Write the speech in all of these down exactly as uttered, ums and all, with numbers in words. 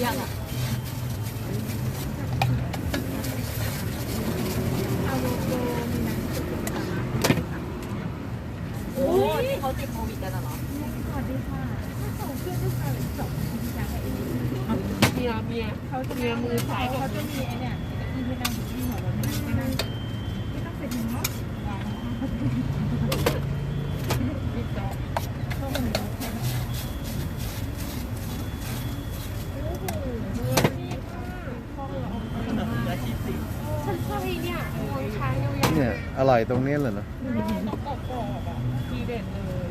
ยังอ่ะโอ้ยที่เขาติดโควิดกันเหรอสวัสดีค่ะเขาเพื่อนด้วยกันสองอย่างไอ้เมียเมียเขาจะเมียมือซ้ายเขาจะมีไอ้เนี่ยที่ไม่นั่งที่หัวเราไม่นั่งไม่นั่งไม่ต้องเป็นเนาะมีจอบเข้ามาในรถฉันชอบไอ้เนี่ยมองช้างยาวๆเนี่ยอร่อยตรงนี้เลยเนาะต้องกรอบๆอ่ะทีเด็ดเลย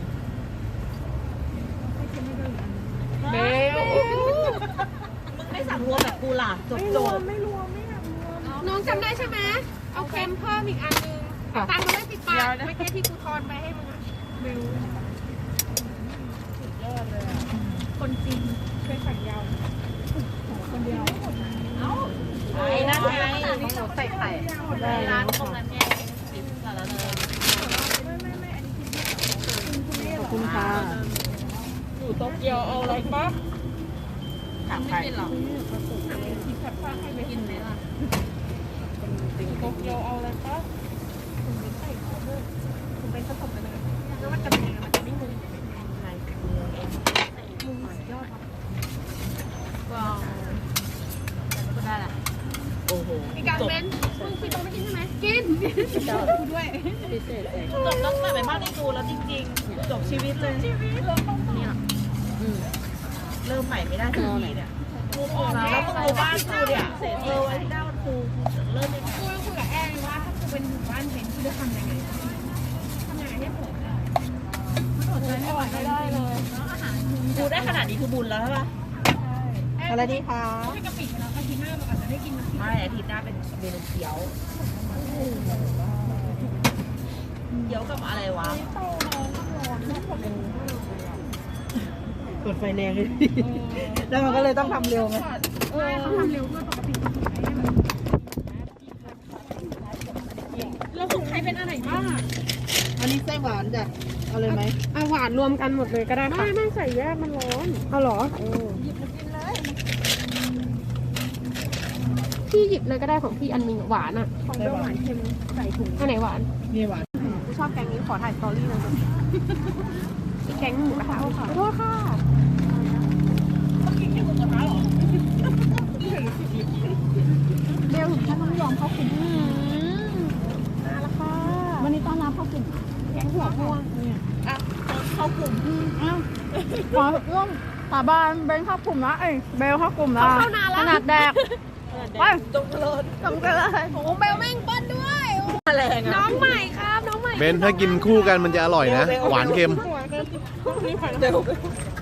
เบลมึงไม่สั่งรวมแบบกูล่ะจบจบไม่รวมไม่อยากรวมน้องจำได้ใช่ไหมเอาเค็มเพิ่มอีกอันนึงตังค์มันได้สิบบาทไม่ใช่ที่กูทอนไปให้มึงอะเบลสุดยอดเลยอ่ะคนจริงช่วยสั่งยาวคนเดียวเอ้าไอ้นั่นไงเขาใส่ไข่ร้านตรงนั้นไงติดกันแล้วเลยขอบคุณค่ะอยู่โตเกียวเอาอะไรปั๊บถามใครไม่กินหรอกินแคปซ่าให้ไปกินไหมล่ะอยู่โตเกียวเอาอะไรปั๊บคุณเป็นไข่เขาด้วยคุณเป็นผสมกันเลยแล้วมันจะเป็นยังไงมันจะไม่มึนอะไรมึงยอดว้าวก็ได้ละโอ้โหมีการเว้นมึงพี่ต้องไม่กินใช่ไหมกินกูด้วยจบต้องแต่ไปบ้านในตูแล้วจริงๆจบชีวิตเลยชีวิตเนี่ยเริ่มใหม่ไม่ได้สักทีเนี่ยแล้วมึงดูบ้านกูเนี่ยเสร็จเลยไอ้ด้านกูเริ่มไม่ได้กูคุยกับแอนว่าถ้ากูเป็นหมู่บ้านเห็นกูจะทำยังไงทำยังไงให้ผมได้มันอดใจไม่ไหวไม่ได้เลยกูได้ขนาดนี้คือบุญแล้วใช่ปะอะไรดีคะให้กะปิแล้วอาทิตย์หน้าเราอาจจะได้กินไม่อาทิตย์หน้าเป็นเมนูเกี๊ยวเกี๊ยวกับอะไรวะกดไฟแรงเลยแล้วมันก็เลยต้องทำเร็วไหมเออเขาทำเร็วด้วยปกติแล้วของใครเป็นอะไรบ้างอันนี้ไส้หวานจ้ะเอาเลยไหมเอาหวานรวมกันหมดเลยก็ได้ค่ะไม่ไม่ใส่แยกมันร้อนเอาหรอหยิบมากินเลยพี่หยิบเลยก็ได้ของพี่อันนึงหวานอ่ะของเบลหวานเค็มใส่ถุงอันไหนหวานนี่หวานกูชอบแกงนี้ขอถ่ายสตอรี่เลยอีแกงหมูกระทะค่ะขอโทษค่ะต้องกินแค่หมูกระทะหรอเบลถึงขั้นต้องยอมเข้ากลุ่มมาแล้วค่ะวันนี้ต้อนรับเข้ากลุ่มแกงหัวม่วงเนี่ยอ่ะเข้ากลุ่มอ้าวขอร่วมสาบานเบลเข้ากลุ่มนะเอ้ยเบลเข้ากลุ่มนะขนาดแดกไปตรงเลยตรงเลยโอ้เบลแม่งปั้นด้วยน้องใหม่ครับน้องใหม่เบนถ้ากินคู่กันมันจะอร่อยนะหวานเค็ม